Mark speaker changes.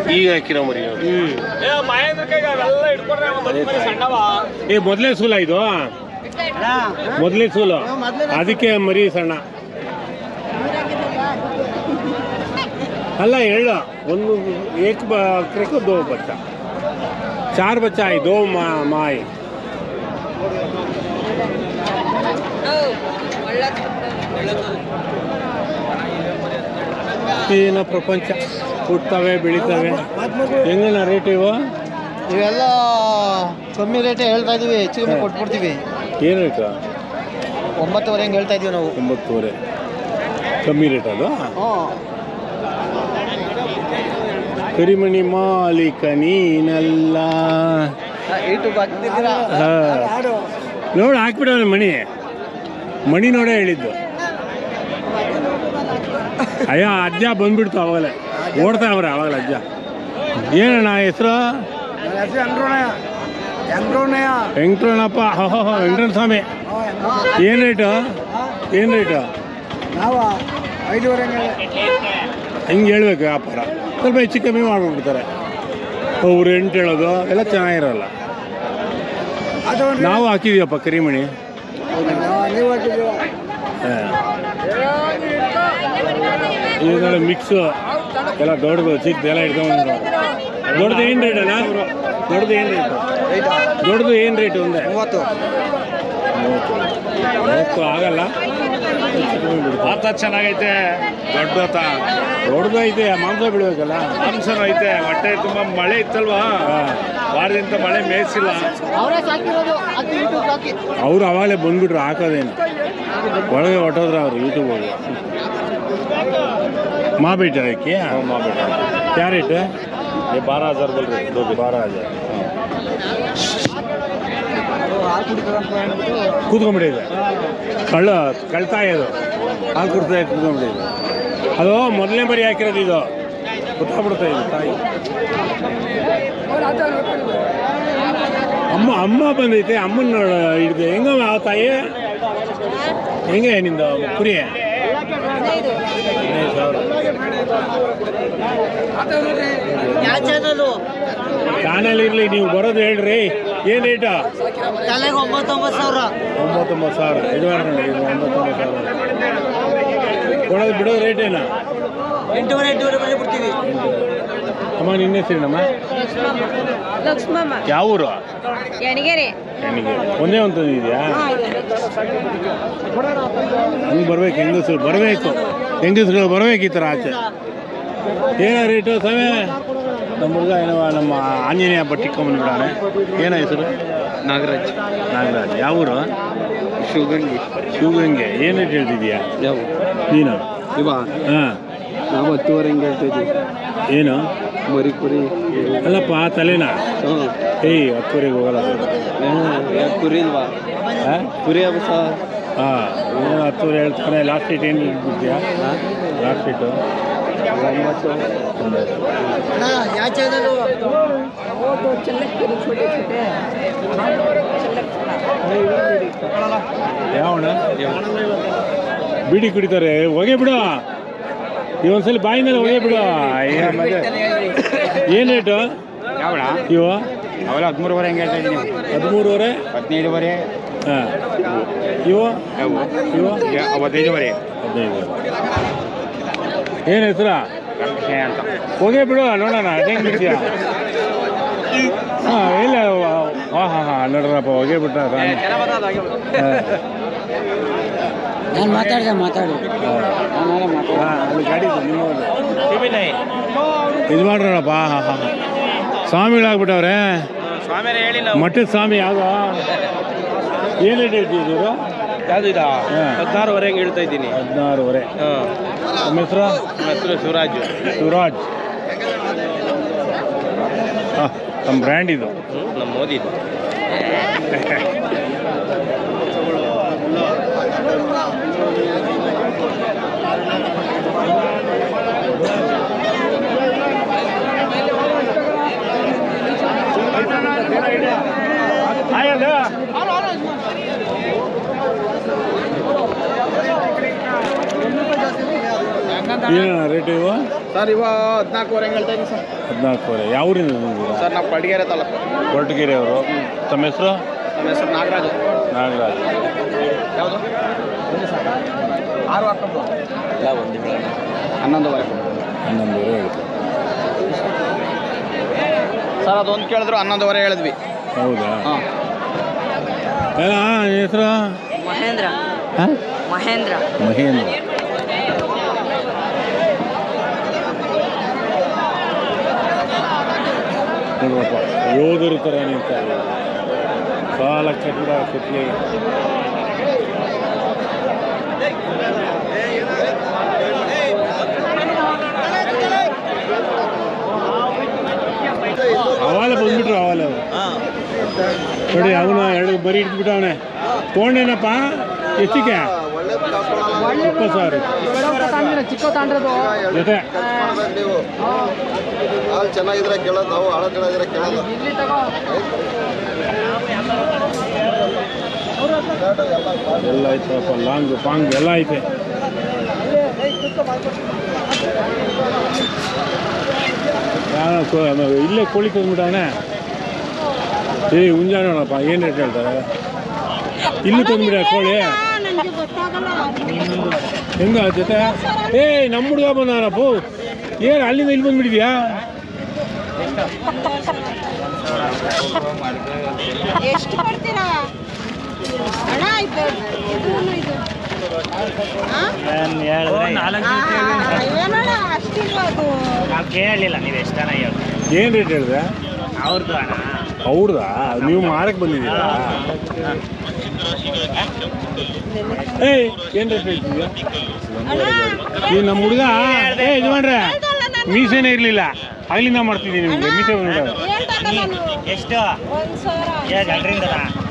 Speaker 1: ಈಗ ಹಾಕಿರೋ ಮರಿ ಮೊದಲೇ ಸೂಲ ಇದು ಮೊದಲೇ ಸೂಲು ಅದಕ್ಕೆ ಮರಿ ಸಣ್ಣ अल्ला हेलो एक बकरे को 2 बच्चा 4 बच्चा है 2 माँ ಏನ ಪ್ರಪಂಚ ಹುಟ್ಟುತ್ತವೆ ಬೆಳೀತವೆ ಹೆಂಗನ ರೇಟ್
Speaker 2: ಇವೆಲ್ಲ ಕಮ್ಮಿ ರೇಟ್ ಹೇಳ್ತಾ ಇದೀವಿ ಹೆಚ್ಚು ಕಮ್ಮಿ ಕೊಟ್ಬಿಡ್ತೀವಿ
Speaker 1: ಏನು ರೇಟ್
Speaker 2: 9.5 ಹೆಂಗೆ ಹೇಳ್ತಾ ಇದೀವಿ ನಾವು
Speaker 1: 9.5 ಕಮ್ಮಿ ರೇಟ್ ಅದು ಕರಿಮಣಿ ಮಾಲೀಕ ನೀನಲ್ಲ ನೋಡಿ ಹಾಕ್ಬಿಡವನ ಮಣಿ ನೋಡೇ ಹೇಳಿದ್ದು ಅಯ್ಯ ಅಜ್ಜ ಬಂದ್ಬಿಡ್ತು ಅವಾಗಲೇ ಓಡ್ತಾ ಅವ್ರೆ ಅವಾಗಲೇ ಅಜ್ಜ ಏನಣ್ಣ ಹೆಸರು ವೆಂಕಟರಮಣಪ್ಪ ವೆಂಕಟರಮಣ ಸ್ವಾಮಿ ಏನು ರೇಟು
Speaker 2: ನಾವು 5.5
Speaker 1: ಹಿಂಗೆ ಹೇಳ್ಬೇಕು ವ್ಯಾಪಾರ ಸ್ವಲ್ಪ ಹೆಚ್ಚು ಕಮ್ಮಿ ಮಾಡ್ಬಿಡ್ತಾರೆ ಅವ್ರು ಎಂಟು ಹೇಳೋದು ಎಲ್ಲ ಚೆನ್ನಾಗಿರಲ್ಲ ನಾವು ಹಾಕಿದೀವಪ್ಪ ಕರಿಮಣಿ ಈಗ ಮಿಕ್ಸು ಎಲ್ಲ ದೊಡ್ಡದು ಚಿಕ್ಕ ಎಲ್ಲ ಇಟ್ಕೊಂಡು ದೊಡ್ಡದು ಏನು ರೇಟ್ ಅಣ್ಣ ದೊಡ್ಡದು ಏನು ರೇಟು ಒಂದೇ 30 ಆಗಲ್ಲ ಆತ ಚೆನ್ನಾಗೈತೆ ದೊಡ್ಡದೈತೆ ಮಾಂಸ ಬಿಡ್ಬೇಕಲ್ಲ ಮಾಂಸನೂ ಐತೆ ಹೊಟ್ಟೆ ತುಂಬ ಮಳೆ ಇತ್ತಲ್ವಾ ವಾರದಿಂದ ಮಳೆ ಮೇಯಿಸಿಲ್ಲ ಅವ್ರು ಅವಾಗಲೇ ಬಂದ್ಬಿಟ್ರು ಹಾಕೋದೇನು ಒಳಗೆ ಹೊಟ್ಟೋದ್ರ ಅವ್ರು ಯೂಟ್ಯೂಬ್ ಹೋಗಿ माँ बेटा है क्या माँ बेटा क्या रेट है ये 12,000 बोल रहे 12,000 ಕೂತ್ಕೊಂಡ್ಬಿಟ್ಟಿದೆ ಕಳ್ತಾಯಿ ಅದು ಹಾಲು ಕುಡ್ತಾ ಕೂತ್ಕೊಂಡ್ಬಿಟ್ಟಿದೆ ಅದು ಮೊದಲನೇ ಬರಿ ಹಾಕಿರೋದು ಇದು ಗೊತ್ತಾಗ್ಬಿಡ್ತಾ ಇದೆ ತಾಯಿ ಅಮ್ಮ ಬಂದೈತೆ ಅಮ್ಮನ ಹಿಡಿದು ಹೆಂಗ ತಾಯಿ ಹೆಂಗೆ ನಿಂದು ಕುರಿ 15,000 ಚಾನಲ್ ಇರಲಿ ನೀವು ಬರೋದು ಹೇಳ್ರಿ ಏನು ರೇಟಾ 9,000 ಇದು ಮಾಡ್ಕೊಂಡು 9,000 ಕೊಡೋದು ಬಿಡೋದು ರೇಟ್ ಏನಾ
Speaker 2: 8,500 ಬಿಡ್ತೀವಿ
Speaker 1: ಅಮ್ಮ ನಿನ್ನ ಹೆಸರಿನಮ್ಮ
Speaker 3: ಲಕ್ಷ್ಮಮ್ಮ
Speaker 1: ಯಾವ ಊರು
Speaker 3: ಯಣಗೆರೆ
Speaker 1: ಒಂದೇ ಒಂದು ಇದೆಯಾ ಹಂಗೆ ಬರ್ಬೇಕು ಹೆಂಗಸರು ಬರ್ಬೇಕು ಈ ಥರ ಆಚೆ ಏನೋ ರೇಟು ಸಮಯ ನಮ್ಮ ಹುಡುಗ ಏನೋ ನಮ್ಮ ಆಂಜನೇಯ ಬಟ್ಟೆ ಕೊಂಬಂದ್ಬಿಡಾನೆ ಏನೋ ಹೆಸರು
Speaker 2: ನಾಗರಾಜ್
Speaker 1: ಯಾವ ಊರು ಶಿವಗಂಗೆ ಏನು ರೇಟ್ ಹೇಳ್ತಿದ್ಯಾ
Speaker 2: ಯಾವ
Speaker 1: ನೀನು
Speaker 2: ಹಾಂ ನಾವು 10,500 ಹೆಂಗೆ ಹೇಳ್ತಾ ಇದ್ದೀವಿ
Speaker 1: ಏನು
Speaker 2: ಮರಿ ಕುರಿ
Speaker 1: ಅಲ್ಲಪ್ಪ ತಲೆನಾ 10,000 ಹೋಗಲ್ಲ
Speaker 2: ಕುರಿ ಇಲ್ವಾ ಕುರಿ ಹಬ್ಬ ಸರ್
Speaker 1: ಹಾಂ ಏನು 10,000 ಹೇಳ್ತಾನೆ ಲಾಸ್ಟ್ ಡೇಟ್ ಏನು ಬಿಡ್ತೀಯಾ ಲಾಸ್ಟ್ ಡೇಟು
Speaker 2: 9
Speaker 1: ಯಾವಣ ಬಿಡಿ ಕುಡಿತಾರೆ ಹೊಗೆ ಬಿಡು ಇವೊಂದ್ಸಲ ಬಾಯಿನಲ್ಲಿ ಹೊಗೆ ಬಿಡು ಏನು ರೇಟು
Speaker 2: ಯಾವಣ
Speaker 1: ಇವು
Speaker 2: ಅವೆಲ್ಲ 13,500 ಹೆಂಗೆ ಹೇಳ್ತಾ ಇದ್ದೀನಿ
Speaker 1: 13,500
Speaker 2: 15,500
Speaker 1: ಹಾಂ ಇವು
Speaker 2: 15,500
Speaker 1: ಏನು ಹೆಸರಾ
Speaker 2: ಅಂತ
Speaker 1: ಹೋಗೇ ಬಿಡು ನೋಡೋಣ ಅದೇನು ಬಿಡ್ತೀಯ ಹಾಂ ಇಲ್ಲ ಹಾಂ ನೋಡ್ರಪ್ಪ ಹೋಗೇ ಬಿಟ್ಟ
Speaker 2: ನಾನು ಮಾತಾಡಿ
Speaker 1: ಅಲ್ಲಿ ಗಾಡಿ ನಿಮ್ಮ ಇದು ಮಾಡ್ರಪ್ಪ ಹಾಂ ಸ್ವಾಮಿಗಳಾಗ್ಬಿಟ್ಟವ್ರೆ ಮಠದ ಸ್ವಾಮಿ ಯಾವುದು ಏನು ರೇಟ್ ಹೇಳ್ತಿದ್ದೀರು
Speaker 2: ಯಾವುದು ಇದಾ 16,500 ಹೆಂಗೆ ಹೇಳ್ತಾ ಇದ್ದೀನಿ
Speaker 1: 16,500 ನಮ್ಮ ಹೆಸರು ಶಿವರಾಜ್ ಹಾಂ ನಮ್ಮ ಬ್ರ್ಯಾಂಡ್ ಇದು
Speaker 2: ನಮ್ಮ ಮೋದಿದು
Speaker 1: ಏನು ರೇಟ್ ಇವು
Speaker 2: ಸರ್ ಇವ 14 ಹೇಳ್ತಾ ಇದ್ದೀನಿ ಸರ್.
Speaker 1: 14 ಯಾವ ಊರಿಂದ ಬಂದಿದ್ದೀರಾ?
Speaker 2: ಸರ್ ನಾವು ಕೊಡಗೇರೆ ತಾಲೂಕು.
Speaker 1: ಕೊರಟಗೆರೆ ಅವರು. ತಮ್ಮ ಹೆಸರು?
Speaker 2: ನಮ್ಮ ಹೆಸರು ನಾಗರಾಜು.
Speaker 1: ನಾಗರಾಜ್.
Speaker 2: ಯಾವುದು 6 ಹಾಕೊಂಡು ಇಲ್ಲ 11:30
Speaker 1: ಹೇಳ್ತಾರೆ.
Speaker 2: ಸರ್ ಅದೊಂದು ಕೇಳಿದ್ರು 11:30 ಹೇಳಿದ್ವಿ.
Speaker 1: ಹೌದಾ?
Speaker 2: ಹಾಂ.
Speaker 1: ಹೆಸರು?
Speaker 3: ಮಹೇಂದ್ರ. ಮಹೇಂದ್ರ.
Speaker 1: ಮಹೇಂದ್ರ. ನೋಡ್ರಪ್ಪ ಯೋಧರ ಥರ ನಿಂತ ಸಾಲ ಕಟ್ಟಡ ಕುತ್ತಿಗೆ. ಅವಾಲೆ ಬಂದ್ಬಿಟ್ರು ಅವಾಲೆ ಅವರು ನೋಡಿ. ಅವನು 2 ಬರಿ ಇಟ್ಬಿಟ್ಟು ಅವನೇ ತೊಗೊಂಡೇನಪ್ಪ. ಎಷ್ಟಿಗೆ? 20,000
Speaker 2: ಚಿಕ್ಕ ತಾಂಡ್ರದು
Speaker 1: ಜೊತೆ.
Speaker 2: ಹಾಲು ಚೆನ್ನಾಗಿದ್ರೆ ಕೇಳೋದು, ನಾವು ಹಾಳು ಚೆನ್ನಾಗಿದ್ರೆ ಕೇಳೋದು.
Speaker 1: ಎಲ್ಲ ಐತಪ್ಪ, ಲಾಂಗ್ ಪಾಂಗ್ ಎಲ್ಲ ಐತೆ. ಇಲ್ಲೇ ಕೋಳಿ ತಂದ್ಬಿಟ್ಟವನೇ. ಹುಂಜ ನೋಡಪ್ಪ ಏನು ರೇಟ್ ಹೇಳ್ತಾರೆ. ಇಲ್ಲಿ ತಂದ್ಬಿಡ ಕೋಳಿ ಹೆಂಗ ಜೊತೆ. ನಮ್ಮ ಹುಡುಗ ಬಂದನಪ್ಪ. ಏನು ಅಲ್ಲಿಂದ ಇಲ್ಲಿ ಬಂದ್ಬಿಟ್ಟಿದ್ಯಾ?
Speaker 3: ಎಷ್ಟು ಕೊಡ್ತೀರಾ ಅಣ್ಣ? ಇದು ಏನಣ್ಣ ಅಷ್ಟಿಲ್ಲ ಅದು.
Speaker 4: ನಾವು ಕೇಳಲಿಲ್ಲ ನೀವು ಎಷ್ಟು ಜನ ಹೇಳಿ.
Speaker 1: ಏನು ರೇಟ್ ಹೇಳಿದೆ?
Speaker 4: ಅವ್ರದ್ದು ಅಣ್ಣ.
Speaker 1: ಹೌದಾ? ನೀವು ಮಾರಕ್ಕೆ ಬಂದಿದ್ದೀರಾ? ಏನು ರೇಟ್ ಹೇಳ್ತಿದ್ಯಾ? ನೀವು ನಮ್ಮ ಹುಡುಗ ಯಜಮಾನ್ರೆ ಮೀಸೆನೇ ಇರಲಿಲ್ಲ, ಅಲ್ಲಿಂದ ಮಾಡ್ತಿದ್ದೀನಿ ನಿಮಗೆ ಮೀಸೆ ಬಂದ್ಬಿಡ.
Speaker 4: ಎಷ್ಟು 1,000 2,000